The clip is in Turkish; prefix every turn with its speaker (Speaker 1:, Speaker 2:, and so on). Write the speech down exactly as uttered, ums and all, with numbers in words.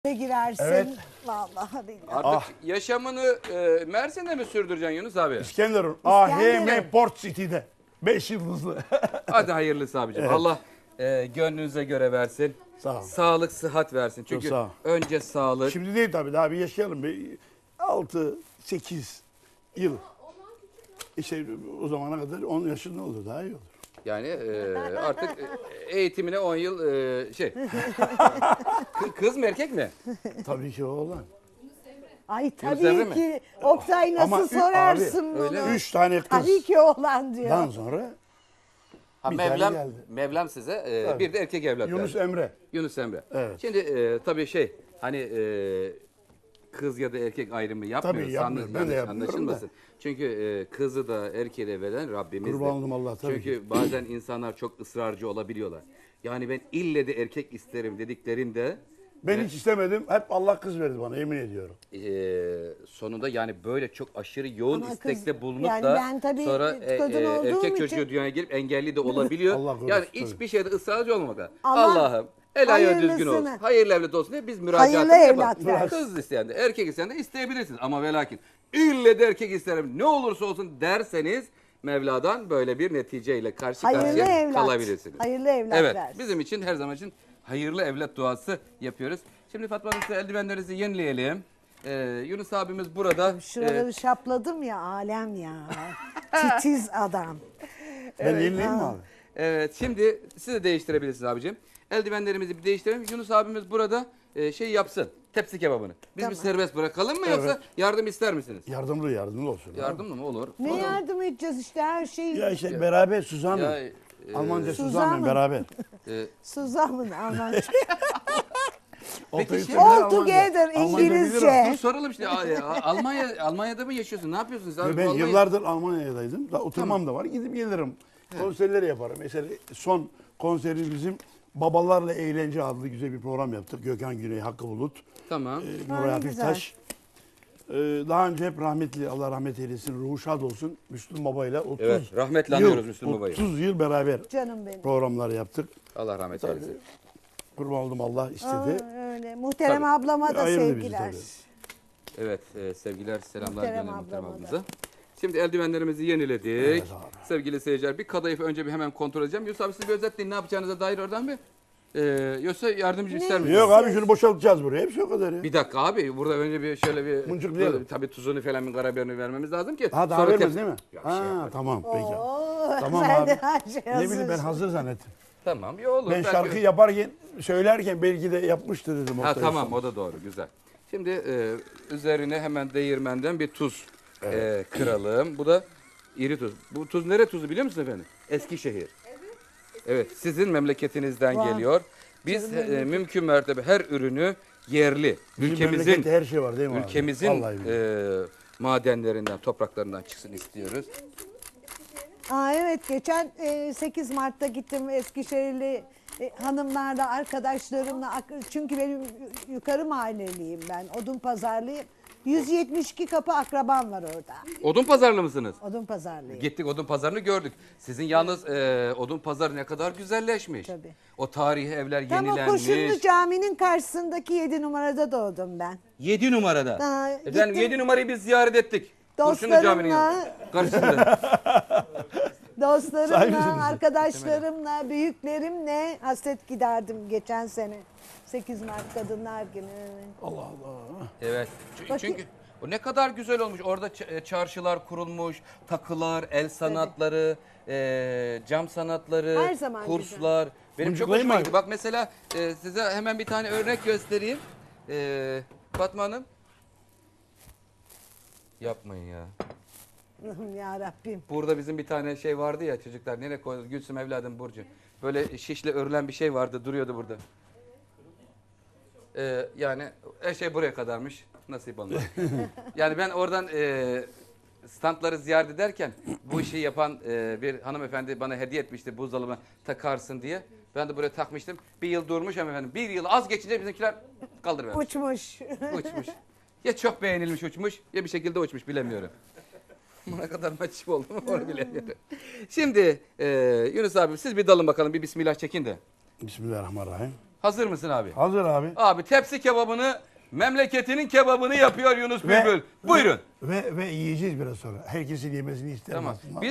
Speaker 1: girersin.
Speaker 2: Evet.
Speaker 1: Vallahi billahi.
Speaker 3: Artık
Speaker 2: Ah.
Speaker 3: yaşamını e, Mersin'de mi sürdüreceksin Yunus abi?
Speaker 2: İskenderun. A H M
Speaker 1: İskenderun.
Speaker 2: Port City'de. Beş yıldızlı.
Speaker 3: Hadi hayırlısı abicim.
Speaker 2: Evet.
Speaker 3: Allah e, gönlünüze göre versin.
Speaker 2: Sağ ol.
Speaker 3: Sağlık, sıhhat versin. Çünkü
Speaker 2: sağ ol.
Speaker 3: önce sağlık.
Speaker 2: Şimdi değil tabii, daha bir yaşayalım. Bir altı sekiz yıl. İşte o zamana kadar on yaşında olur, daha iyi olur.
Speaker 3: Yani e, artık e, eğitimine on yıl e, şey. Kı- Kız mı erkek mi?
Speaker 2: Tabii ki o olan.
Speaker 1: Ay
Speaker 3: Emre
Speaker 1: tabii
Speaker 3: mi?
Speaker 1: ki. Oktay nasıl
Speaker 2: Ama ü-
Speaker 1: sorarsın
Speaker 2: abi,
Speaker 1: bunu?
Speaker 3: öyle mi?
Speaker 2: Üç tane
Speaker 1: Tabii ki oğlan diyor.
Speaker 2: kızdan sonra
Speaker 3: Ha,
Speaker 2: Bir tane
Speaker 3: Mevlam,
Speaker 2: geldi.
Speaker 3: Mevlam size e,
Speaker 2: Tabii.
Speaker 3: bir de erkek evlat
Speaker 2: Yunus
Speaker 3: verdi.
Speaker 2: Emre.
Speaker 3: Yunus Emre.
Speaker 2: Evet.
Speaker 3: Şimdi e, tabii şey hani e, kız ya da erkek ayrımı yapmıyoruz.
Speaker 2: Tabii yapmıyorum. Ben de
Speaker 3: Yanlış
Speaker 2: yapmıyorum
Speaker 3: anlaşılmasın. Çünkü e, kızı da erkeği de veren Rabbimizdir.
Speaker 2: Kurban oldum Allah, tabii
Speaker 3: Çünkü bazen insanlar çok ısrarcı olabiliyorlar. Yani ben ille de erkek isterim dediklerinde
Speaker 2: Ben hiç istemedim. Hep Allah kız verdi bana, yemin ediyorum.
Speaker 3: e, sonunda yani böyle çok aşırı yoğun
Speaker 1: Ama
Speaker 3: istekte
Speaker 1: kız-
Speaker 3: bulunup
Speaker 1: yani
Speaker 3: da
Speaker 1: ben tabii
Speaker 3: sonra e,
Speaker 1: kadın
Speaker 3: e,
Speaker 1: olduğum
Speaker 3: erkek
Speaker 1: için-
Speaker 3: çocuğu dünyaya gelip engelli de olabiliyor.
Speaker 2: Allah korusun,
Speaker 3: yani
Speaker 2: tabii.
Speaker 3: hiçbir şeyde ısrarcı olmamak lazım.
Speaker 1: Allah
Speaker 3: Allah'ım el ayağı düzgün olsun.
Speaker 1: hayırlısını-
Speaker 3: Hayırlı evlat olsun diye biz müracaatımızı
Speaker 1: Hayırlı
Speaker 3: yapalım.
Speaker 1: evlat versin.
Speaker 3: Kız isteyen de erkek isteyen de isteyebilirsiniz. Ama ve lakin ille de erkek isterim ne olursa olsun derseniz Mevla'dan böyle bir neticeyle karşı
Speaker 1: Hayırlı
Speaker 3: karşıya
Speaker 1: evlat.
Speaker 3: kalabilirsiniz.
Speaker 1: Hayırlı evlat
Speaker 3: Evet
Speaker 1: versin.
Speaker 3: bizim için her zaman için hayırlı evlat duası yapıyoruz. Şimdi Fatma Hanım size eldivenlerinizi yenileyelim. Ee, Yunus abimiz burada.
Speaker 1: Şuraları
Speaker 3: Ee,
Speaker 1: şapladım ya, alem ya. Titiz adam.
Speaker 2: Ben yenileyim mi abi?
Speaker 3: evet şimdi siz de değiştirebilirsiniz abicim. Eldivenlerimizi bir değiştirelim. Yunus abimiz burada e, şey yapsın. Tepsi kebabını. Biz
Speaker 1: Tamam.
Speaker 3: bir serbest bırakalım mı yoksa yardım ister misiniz?
Speaker 2: Yardımlı yardımlı olsun.
Speaker 3: Yardımlı mı olur?
Speaker 1: Ne
Speaker 3: Olur.
Speaker 1: yardım edeceğiz işte her şeyi.
Speaker 2: Ya işte beraber Suzan'la.
Speaker 3: Ya, e,
Speaker 2: Almanca
Speaker 1: Suzan'la.
Speaker 2: Suzan'la beraber.
Speaker 3: e,
Speaker 1: Suzan'ın Almanca.
Speaker 2: Oltayı
Speaker 3: şey-
Speaker 2: çevirir,
Speaker 1: All
Speaker 2: Almanca.
Speaker 1: together
Speaker 2: Almanca bilirim.
Speaker 1: İngilizce.
Speaker 3: dur soralım işte. A- A- Almanya Almanya'da mı yaşıyorsun? Ne yapıyorsunuz abi?
Speaker 2: Ben
Speaker 3: Vallahi-
Speaker 2: yıllardır Almanya'daydım. Da oturmam da var. Gidip gelirim. Konserleri yaparım. Mesela son konseri bizim Babalarla Eğlence adlı güzel bir program yaptık. Gökhan Güney, Hakkı Bulut,
Speaker 3: Tamam.
Speaker 2: e,
Speaker 1: Ha,
Speaker 2: Nuray
Speaker 1: ne
Speaker 2: Hafiftaş. E, daha önce hep rahmetli, Allah rahmet eylesin, ruhu şad olsun, Müslüm Baba'yla otuz
Speaker 3: Evet, rahmetle
Speaker 2: yıl,
Speaker 3: anıyoruz Müslüm Baba'yı.
Speaker 2: otuz yıl beraber
Speaker 1: Canım benim.
Speaker 2: programlar yaptık.
Speaker 3: Allah rahmet
Speaker 2: Tabii.
Speaker 3: eylesin.
Speaker 2: Kurban oldum, Allah istedi.
Speaker 1: Aa, öyle. Muhterem
Speaker 3: Tabii.
Speaker 1: ablama da
Speaker 2: Ayırdı bizi
Speaker 1: sevgiler.
Speaker 2: tabii.
Speaker 3: Evet, e, sevgiler, selamlar
Speaker 1: Muhterem
Speaker 3: gönderelim muhterem
Speaker 1: ablama da.
Speaker 3: ablamıza. Şimdi eldivenlerimizi yeniledik.
Speaker 2: Evet abi.
Speaker 3: Sevgili seyirciler, bir kadayıfı önce bir hemen kontrol edeceğim. Yusuf abi siz bir özetleyin ne yapacağınıza dair oradan bir. Ee, yoksa yardımcı ister misiniz?
Speaker 2: Yok abi, şunu boşaltacağız buraya. Hepsi o kadar ya.
Speaker 3: Bir dakika abi, burada önce bir şöyle bir...
Speaker 2: Mıncıklayalım.
Speaker 3: Burada Tabii tuzunu falan bir karabiberini vermemiz lazım ki.
Speaker 2: Ha, daha
Speaker 3: sonra
Speaker 2: vermez
Speaker 3: tep-
Speaker 2: değil mi?
Speaker 3: Ya, bir şey
Speaker 2: ha
Speaker 3: yaparız.
Speaker 2: tamam peki.
Speaker 1: Oo,
Speaker 2: Tamam
Speaker 1: sen
Speaker 2: abi.
Speaker 1: de her şey
Speaker 2: Ne bileyim, ben
Speaker 1: hazırsın.
Speaker 2: hazır zannettim.
Speaker 3: Tamam, iyi olur.
Speaker 2: Ben
Speaker 3: Belki-
Speaker 2: şarkı yaparken, söylerken belki de yapmıştır dedim.
Speaker 3: Ha
Speaker 2: Oktay
Speaker 3: tamam,
Speaker 2: Usta.
Speaker 3: o da doğru, güzel. Şimdi e, üzerine hemen değirmenden bir tuz e, kıralım. Bu da iri tuz. Bu tuz nere tuzu biliyor musun efendim? Eskişehir. Evet, sizin memleketinizden
Speaker 1: Vay.
Speaker 3: geliyor. Biz e, mümkün mertebe her ürünü yerli,
Speaker 2: Bizim
Speaker 3: ülkemizin
Speaker 2: memlekette her şey var değil mi abi?
Speaker 3: ülkemizin
Speaker 2: Vallahi billahi.
Speaker 3: e, madenlerinden, topraklarından çıksın istiyoruz.
Speaker 1: Aa, evet geçen e, sekiz Mart'ta gittim Eskişehirli e, hanımlarla arkadaşlarımla ak- çünkü benim yukarı mahalleliyim ben odun pazarlıyım. yüz yetmiş iki kapı akrabam var orada.
Speaker 3: Odun pazarlı mısınız?
Speaker 1: Odun pazarlıyım.
Speaker 3: Gittik odun pazarını gördük. Sizin yalnız e, odun pazarı ne kadar güzelleşmiş.
Speaker 1: Tabii.
Speaker 3: O tarihi evler
Speaker 1: Tam o
Speaker 3: yenilenmiş.
Speaker 1: Koşunlu Cami'nin karşısındaki yedi numarada doğdum ben.
Speaker 3: yedi numarada.
Speaker 1: Ha,
Speaker 3: Efendim
Speaker 1: gittim.
Speaker 3: yedi numarayı biz ziyaret ettik. Kurşunlu
Speaker 1: Dostlarımla-
Speaker 3: Camii'nin yanında. Karşısında.
Speaker 2: Sahi misiniz?
Speaker 1: Dostlarımla, arkadaşlarımla, büyüklerimle hasret giderdim geçen sene. sekiz Mart Kadınlar Günü.
Speaker 2: Allah Allah.
Speaker 3: Evet. Çünkü,
Speaker 1: Bakayım.
Speaker 3: çünkü o ne kadar güzel olmuş. Orada ç- e, çarşılar kurulmuş, takılar, el sanatları, e, cam sanatları,
Speaker 1: Her zaman
Speaker 3: kurslar. Benim çok
Speaker 2: Mıncıklayayım
Speaker 3: hoşuma
Speaker 2: mı?
Speaker 3: gitti. Bak mesela e, size hemen bir tane örnek göstereyim. E, Fatma Hanım. Yapmayın ya.
Speaker 1: Allah'ım ya Rabbim.
Speaker 3: Burada bizim bir tane şey vardı ya çocuklar. Nereye koyduk? Gülsüm evladım Burcu. Böyle şişle örülen bir şey vardı. Duruyordu burada. Ee, yani her şey buraya kadarmış. Nasip olmadı. Yani ben oradan e, standları ziyaret ederken bu işi yapan e, bir hanımefendi bana hediye etmişti buzdolabına takarsın diye. Ben de buraya takmıştım. Bir yıl durmuş efendim. Bir yıl az geçince bizimkiler kaldırıvermiş.
Speaker 1: Uçmuş.
Speaker 3: Uçmuş. Ya çok beğenilmiş uçmuş ya bir şekilde uçmuş bilemiyorum. Buna kadar maçıp oldu mu onu bilemiyorum. Şimdi e, Yunus abi siz bir dalın bakalım bir bismillah çekin de.
Speaker 2: Bismillahirrahmanirrahim.
Speaker 3: Hazır mısın abi?
Speaker 2: Hazır abi.
Speaker 3: Abi tepsi kebabını, memleketinin kebabını yapıyor Yunus
Speaker 2: Ve-
Speaker 3: Bülbül. Buyurun.
Speaker 2: Ve ve yiyeceğiz biraz sonra. Herkesin yemesini isterim
Speaker 3: Tamam.
Speaker 2: aslında.
Speaker 3: Biz